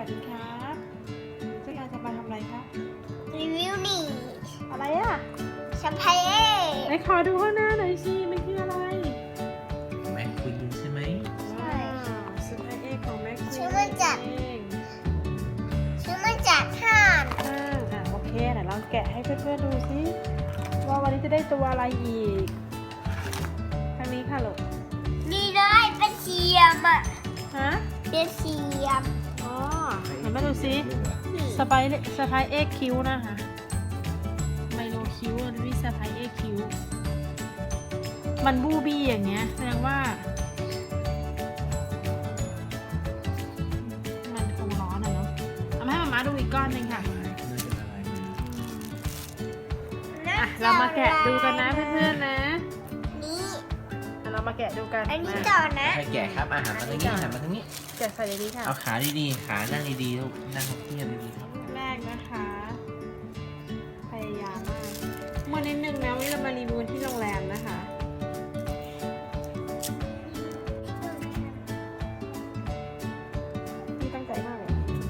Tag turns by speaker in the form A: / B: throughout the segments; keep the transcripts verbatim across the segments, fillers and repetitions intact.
A: ดีครับเจ๊การจะมาทำอะไรครับ
B: รีวิวนี่
A: อะไรอ่ะ
B: แชมเปญ
A: ไหนขอดูข้างหน้าหน่อยสิมันคืออะไร
C: แม็กควีนใช่ไหม
B: ใช่
A: สไปเอ็กของแม็กซ์
B: ชื่อมันจาก
A: เอง
B: ชื่อมันจากท่าน
A: อ่าอ่ะโอเคไหนลองแกะให้เพื่อนๆดูสิว่าวันนี้จะได้ตัวอะไรอีกทางนี้ค่ะลูก
B: นี่เลยเป็นเสียมอ่ะ
A: ฮะ
B: เป็นเสียม
A: อ๋อเห็นไหมดูสิ
B: นี่
A: สไปสไปเอ็กคิวนะคะไมโลคิวอันนี้สไปเอ็กคิวมันบูบี้อย่างเงี้ยแสดงว่า มันคงร้อนอะเนาะเอามาให้มาม่าดูอีกก้อนหนึ่งค่ะ อ่ะ เรามาแกะดูกันนะเพื่อนๆนะ
B: นี่
A: อ่ะเรามาแกะดูกัน
B: อันนี้
A: มา
B: ต่อนะ
C: ใครแกะครับอาหารมาทางนี้อาหารมาทางนี้
A: แกะใส่ในนี้ค่ะ
C: เอาขาดีๆ ขานั่งดีๆลูกนั่งเทียบดีๆครับ
A: แรกนะคะ พยายามมากมื่อนิดนึงนะวันนี้เรามารีวิวที่โรงแรมนะคะนี่ตั้งใจมากเลย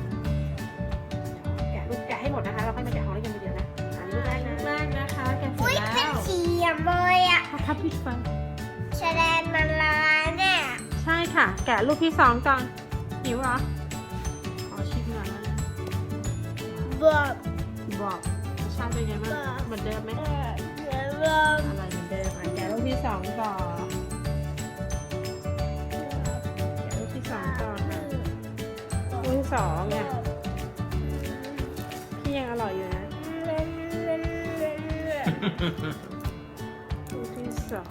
A: แกะลูกแกะให้หมดนะคะ เราค่อยมาแกะของเล่นกันทีเดียวนะอันลูกแรกนะลูกแรกนะคะ แกะเสร็
B: อุ้
A: จ
B: ย
A: แล้
B: เป็น
A: ว
B: เสียมเลยอ่ะ
A: ถ้าทับพิษฟัน
B: แสดงมันละลายเนี่ย
A: ใช่ค่ะ แกะลูกที่สองก่อนหิวเหรอขอชิมหน่อยนะ
B: บวบ
A: บอกรสชาติเป็นไงบ้าง
B: บอก
A: เหมือนเดิมไหม
B: เออเดี๋ยวบวบ
A: อะไรเหมือนเดิมอ่ะแกะลูกที่สองต่อแกะลูกที่สองต่อค่ะลูกที่สองเนี่ยพี่ยังอร่อยอยู่นะลูกที่สอง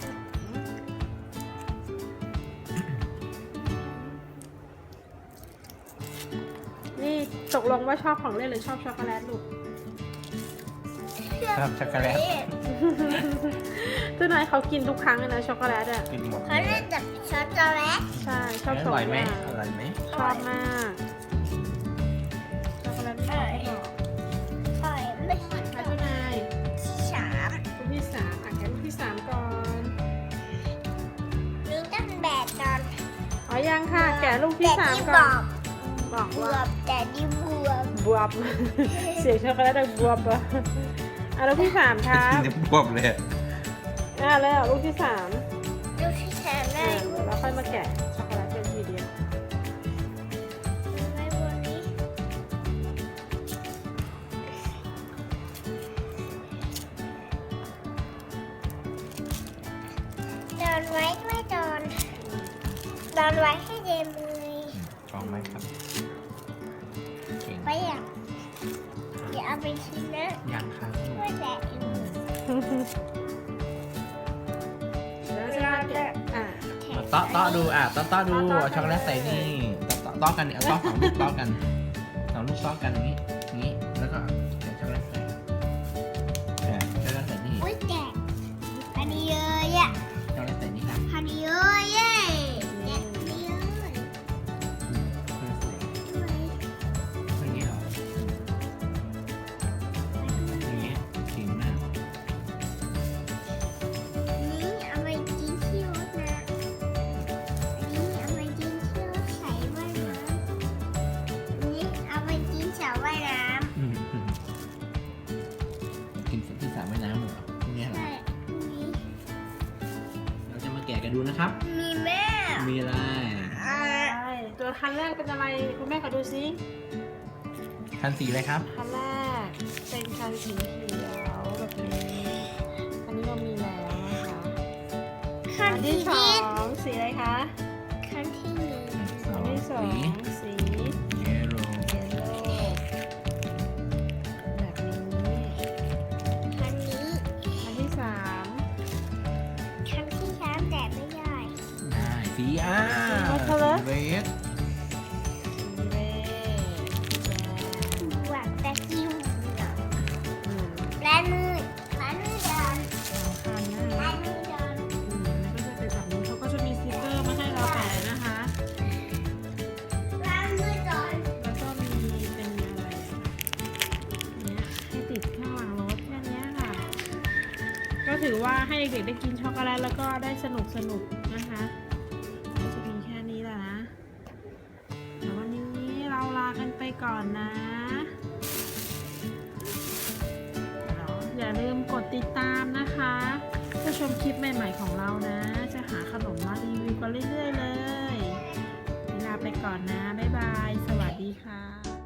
A: นี่ตกลงว่าชอบของเล่นหรือชอบช็อกโกแลตลูก
C: ชอบช็อกโกแลต
A: ตัวนายเขากินทุกครั้งเลยนะช็อกโกแลตอ่ะ
C: กินหมด
B: เขาเรียกจากช็อกโกแลต
A: ใช่ชอบ
C: อ
A: สอง
C: ร่อยไหม
A: อย่าง
C: อร่อยไหม
A: ชอบมากช็อกโกแลตไม่ชอบไม่บอก
B: ใช่ไม่ใช่
A: ค่ะเจ้านาย
B: สาม
A: ลูกที่สามอ่ะแกะลูกที่สามก่อน
B: นี่ต้องแบกก่อน
A: อ๋อยังค่ะ แกะลูกที่สาม
B: แต่
A: ก่อน
B: บ
A: บอก
B: บว
A: ว่า
B: บแต่ดีบวบบ
A: วบ เสียงช็อกโกแลตดังบวบอ่ะอ่ะลูกที่สามครับ
C: จะบวบเลย
A: อ่ะแล้วลูกที่สาม
B: ลูกที่สาม
A: อ่ะ
B: ได้
A: เดี๋ยวเราค่อยมาแกะช็อกโกแลตเป็นทีเดียว
B: ไว้บนนี้ดอนไว้ไม่ดอนดอนไว้ให้เย็นเลย
C: ชอบไหมครับเก่ง
B: ไปอ่ะเดี๋ยวเอาไปชิมนะ
C: ยังครับ
B: ช่วยแบกอยู่
A: แล้วจะมาแกะอ่ะ
C: มาเตาะเตาะดูอ่ะเตาะเตาะดูเอาช็อกโกแลตใส่นี่เตาะเตาะกันเนี่ยเอาเตาะสองลูกเตาะกันสองลูกเตาะกันอย่างนี้อย่างนี้แล้วก็ใส่ช็อกโกแลตใส่อ่ะช็อกโกแลตใส่นี่
B: อุ้ยแจกพอดีเลยอ่ะ
C: ช็อกโกแลตใส่นี่ครับ
B: พอดีเลยเย้แจกพอดีเลย
C: อืมเพื่อใส่อย่างนี้เหรออย่างนี้เก่งมาก
B: นี่เอาไปกินที่รถนะอันนี้เอาไปกินที่รถใส่ว่ายน้ำอันนี้เอาไปกินสระว่ายน้
C: อืมอืมกินที่สระว่ายน้ำเหรอพวกเนี้ย
B: ำ
C: เหรอ
B: ใช่นี่
C: เราจะมาแกะกันดูนะครับ
B: มีแม่
C: มีอะไร
B: อ่า
A: ใช่ตัวคันแรกเป็นอะไรคุณแม่ขอดูซิ
C: คันสีอะไรครับ
A: คันแรกเป็นคันสีเขียวแบบนี้อันนี้เรามีแล้วนะคะ
B: ขั้น
A: อัน
B: ที่
A: ที่สอ
B: ที่
A: งสีอะไรคะ
B: ขั้นที่หนึ่ง
C: สอ
A: อัน
C: ง
A: ที่สอง
C: สี
A: สี
C: เยลโล่
A: เยลโล่แบบนี้
B: ขั้นนี้
A: อันที่สาม
B: ขั้นที่สามแต่ไม่ได้
C: ได้สีอ่า
A: สีอะไร
C: เรด
A: สีเรด
B: หวังแต่คิว
A: อืม
B: แลมือแลมือเดิน
A: สำคัญนะ
B: แล
A: คะ
B: มือเดิน
A: อืมแล้วก็จะเป็นแบบนี้เขาก็จะมีสติกเกอร์มาให้เราแปะนะคะ
B: แลมือเดิน
A: แล้วก็มีเป็นอะไรอ่ะเนี่ยให้ติดข้างหลังรถแค่เนี้ยค่ะ ก็ถือว่าให้เด็กๆได้กินช็อกโกแลตแล้วก็ได้สนุกสนุกนะคะก็จะมีแค่นี้แหละนะแต่วันนี้เราลากันไปก่อนนะอย่าลืมกดติดตามนะคะเพื่อชมคลิปใหม่ๆของเรานะ จะหาขนมมารีวิวกันเรื่อยๆเลยลาไปก่อนนะ บ๊ายบาย สวัสดีค่ะ